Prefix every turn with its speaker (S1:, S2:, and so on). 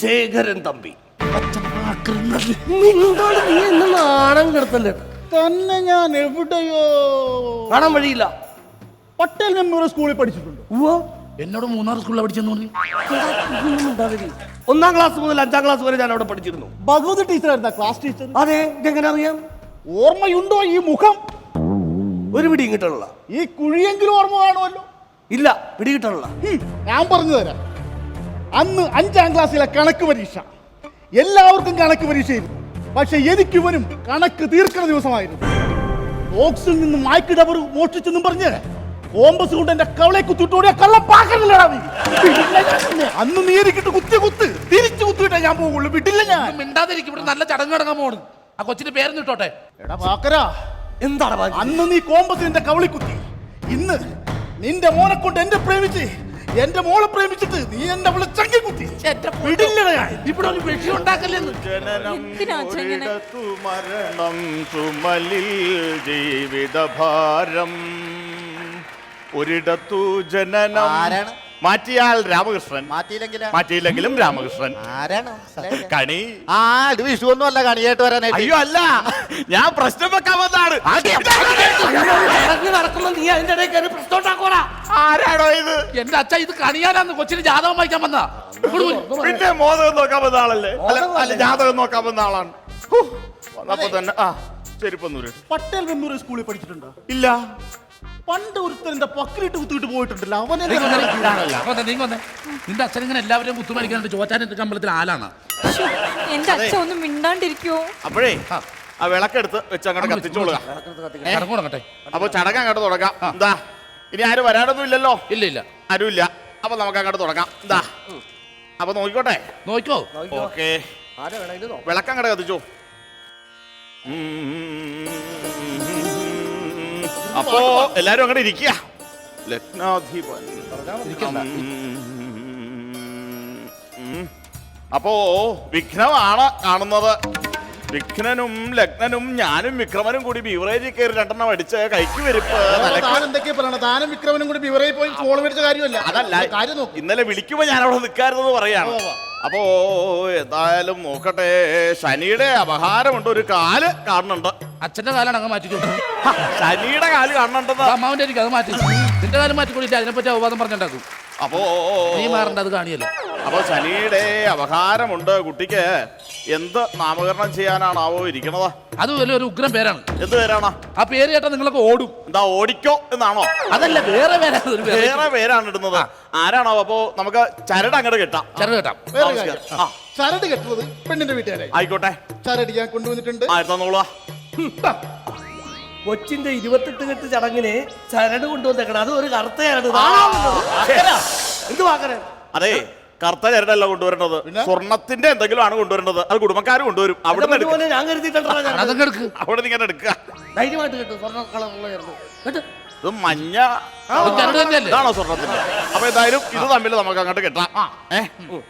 S1: ശേഖരൻ തമ്പി. നിന്നോട് നീ എന്നെ നാണം കെടുത്തല്ലേ?
S2: തന്നെ ഞാൻ എവിടെയോ
S1: കാണാൻ വഴിയില്ല.
S2: പട്ടേൽ മെമ്മോറിയൽ സ്കൂളിൽ പഠിച്ചിട്ടുണ്ട്.
S3: എന്നോട് 3 സ്കൂളിൽ പഠിച്ചെന്ന് പറഞ്ഞു.
S1: 1-ാം ക്ലാസ് മുതൽ 5-ാം ക്ലാസ് വരെ ഞാൻ അവിടെ പഠിച്ചിരുന്നു.
S2: ഭഗവതി ടീച്ചറായിരുന്ന ക്ലാസ് ടീച്ചർ.
S1: അതെ, ഇതെങ്ങനെ അറിയാം?
S2: ഓർമ്മയുണ്ടോ ഈ മുഖം?
S1: ഒരു പിടി കിട്ടണല്ല.
S2: ഈ കുഴിയെങ്കിലും ഓർമ്മ കാണുമല്ലോ.
S1: ഇല്ല, പിടി കിട്ടണല്ല.
S2: ഞാൻ പറഞ്ഞു തരാം. അന്ന് 5-ാം ക്ലാസ്സിലെ കണക്ക് പരീക്ഷ. എല്ലാവർക്കും കണക്ക് പരീക്ഷയായിരുന്നു. പക്ഷെ എനിക്ക് വരും കണക്ക് തീർക്കുന്ന ദിവസമായിരുന്നു. ബോക്സിൽ നിന്ന് മായ്ക്ക് ഡബർ മോഷ്ടിച്ചെന്നും പറഞ്ഞ് കോമ്പസ് കൊണ്ട് എന്റെ കവളെ കുത്തിട്ടോടിയ കള്ളപ്പാക്കല്ലടാ നീ. അന്ന് നീ എനിക്കിട്ട് കുത്ത് തിരിച്ചു കുത്തിയിട്ടേ ഞാൻ പോകുള്ളൂ. വിട്ടില്ല ഞാൻ.
S3: മിണ്ടാതിരിക്കും, ഇവിടെ നല്ല ചടങ്ങ് നടക്കാൻ പോണ്. ആ കൊച്ചിന്റെ പേരൊന്നും ഇട്ടോട്ടെ.
S2: എടാ പാക്കരാ,
S1: എന്താണ്
S2: അന്ന് നീ കോമ്പസ് എന്റെ കവളി കുത്തി. ഇന്ന് നിന്റെ മോനെ കൊണ്ട് എന്നെ പ്രേമിച്ച് എന്റെ മോളെ പ്രേമിച്ചിട്ട് നീ എന്റെ അവളെ ചങ്കി കുത്തി. വിടില്ലടാ ഞാൻ.
S3: ഇവിടെ ഒരു വിഷയം ഉണ്ടാക്കല്ലെന്ന്.
S4: മരണം ചുമലിൽ ജീവിതഭാരം ഒരിടത്തു ജനനം. മാറ്റിയാൽ രാമകൃഷ്ണൻ, മാറ്റിയില്ലെങ്കിലും രാമകൃഷ്ണൻ. കണി
S5: ഇത് വിഷു ഒന്നും അല്ല കണിയായിട്ട് വരാനായിട്ട്.
S4: അയ്യോ അല്ല, ഞാൻ പ്രശ്നം വെക്കാൻ വന്നാണ്.
S1: നീ അതിന്റെ ഇടയിൽ കയറി പ്രശ്നം ഉണ്ടാക്കോടാ.
S4: ആരാണോ ഇത്?
S3: എന്റെ അച്ഛ ഇത് കണിയാനാന്ന് കൊച്ചിന് ജാതകം വായിക്കാൻ വന്നാ.
S4: പിന്നെ മോദകം നോക്കാൻ വന്ന ആളല്ലേ? അല്ല, ജാതകം നോക്കാൻ വന്ന ആളാണ്. വന്നപ്പോ തന്നെ ചെരുപ്പൊന്നൂര്.
S2: പട്ടേൽ മെമ്മോറിയൽ സ്കൂളിൽ പഠിച്ചിട്ടുണ്ടോ?
S4: ഇല്ല.
S2: പണ്ട് ഒരുത്തന്റെ പക്കലിട്ട് കുത്തിയിട്ട് പോയിട്ടുണ്ടല്ലോ. അവനെ
S3: നിന്റെ അച്ഛൻ ഇങ്ങനെ എല്ലാവരെയും കുത്തുമരിക്കാനുണ്ട്. ചോറ്റാനിന്റെ അമ്പലത്തിൽ ആലാണ്.
S6: എന്റെ അച്ഛൻ ഒന്നും മിണ്ടാണ്ടിരിക്കോ?
S4: അപ്പോഴേ ആ വിളക്കെടുത്ത് വെച്ച് അങ്ങോട്ട് കത്തിച്ചോളുക.
S3: തുടങ്ങട്ടെ.
S4: അപ്പൊ ചടങ്ങ് അങ്ങോട്ട് തുടങ്ങാം. എന്താ, ഇനി ആരും വരാനൊന്നും ഇല്ലല്ലോ?
S3: ഇല്ല
S4: ആരുമില്ല. അപ്പൊ നമുക്ക് അങ്ങോട്ട് തുടങ്ങാം. എന്താ, അപ്പൊ നോക്കിക്കോട്ടെ.
S3: നോക്കോ.
S4: ഓക്കെ, വിളക്കങ്ങോട്ട് കത്തിച്ചോ. അപ്പോ എല്ലാരും അങ്ങോട്ട് ഇരിക്കുക. ലഗ്നാധിപൻ. അപ്പോ വിഘ്നമാണ് കാണുന്നത്. വിഘ്നനും ലഗ്നനും ഞാനും വിക്രമനും കൂടി ബീവറേജിൽ കയറി 2 അടിച്ച് കൈക്ക് വെരുപ്പ്.
S2: എന്തൊക്കെയാ പറയണ? താനും വിക്രമനും കൂടി ബിവറേജിൽ പോയി ഫോൺ മേടിച്ച കാര്യമല്ല.
S4: അതല്ല,
S2: കാര്യം നോക്ക്.
S4: ഇന്നലെ വിളിക്കുമ്പോ ഞാൻ അവിടെ നിൽക്കാറുന്നത് പറയാണ്. അപ്പോ എന്തായാലും നോക്കട്ടെ. ശനിയുടെ അപഹാരമുണ്ട്. ഒരു കാല് കാണുന്നുണ്ട്.
S3: അച്ഛന്റെ കാലാണ് അങ്ങ് മാറ്റിക്കോ.
S4: ശനിയുടെ കാല് കാണുന്നുണ്ടെന്ന്.
S3: അമ്മാവിന്റെ ആയിരിക്കും, അത് മാറ്റി. നിന്റെ കാലം മാറ്റിക്കൊണ്ടില്ല. അതിനെപ്പറ്റി അവവാദം പറഞ്ഞുണ്ടാക്കും.
S4: അപ്പോ
S3: നീ മാറണ്ട, അത് കാണിയല്ലോ.
S4: അപ്പൊ ശനിയുടെ അപഹാരമുണ്ട്. കുട്ടിക്ക് എന്ത് നാമകരണം ചെയ്യാനാണാവോ ഇരിക്കണത്?
S3: അത് വലിയൊരു ഉഗ്രം പേരാണ്.
S4: എന്ത് പേരാണ്
S3: ആ പേര് കേട്ടാ നിങ്ങളൊക്കെ ഓടും.
S4: എന്താ, ഓടിക്കോ എന്നാണോ?
S3: അതല്ല, വേറെ പേരാണ്.
S4: വേറെ പേരാണ് ഇടുന്നത്. ആരാണോ? അപ്പൊ നമുക്ക് ചരട് അങ്ങോട്ട് കെട്ടാം.
S3: ചരട് കേട്ടാം.
S2: വേറെ കാര്യം. ചരട് കെട്ടുന്നത് പെണ്ണിന്റെ വീട്ടുകാരെ.
S4: ആയിക്കോട്ടെ,
S2: ചരട് ഞാൻ കൊണ്ടുവന്നിട്ടുണ്ട്.
S4: ആയിരത്തോളാ.
S1: കൊച്ചിന്റെ 28 കെട്ട് ചടങ്ങിന് ചരട് കൊണ്ടുവന്നേക്കണം. അത് ഒരു കറുത്തയാണ്. എന്ത് വാക്കണേ?
S4: അതെ, കറുത്ത ചരടല്ല കൊണ്ടുവരേണ്ടത്. സ്വർണത്തിന്റെ എന്തെങ്കിലും ആണ് കൊണ്ടുവരേണ്ടത്. അത് കുടുംബക്കാർ കൊണ്ടുവരും. അവിടെ
S1: ഞാൻ കരുതിയിട്ടുണ്ടോ?
S4: അവിടെ ഇങ്ങനെ എടുക്കുക.
S1: ധൈര്യമായിട്ട് കിട്ടും. സ്വർണ്ണ കളറുള്ള ചേർന്ന്
S4: ഇത് മഞ്ഞ ഇതാണോ സ്വർണത്തിന്റെ? അപ്പൊ എന്തായാലും ഇത് തമ്മിൽ നമുക്ക് അങ്ങോട്ട് കെട്ടാം.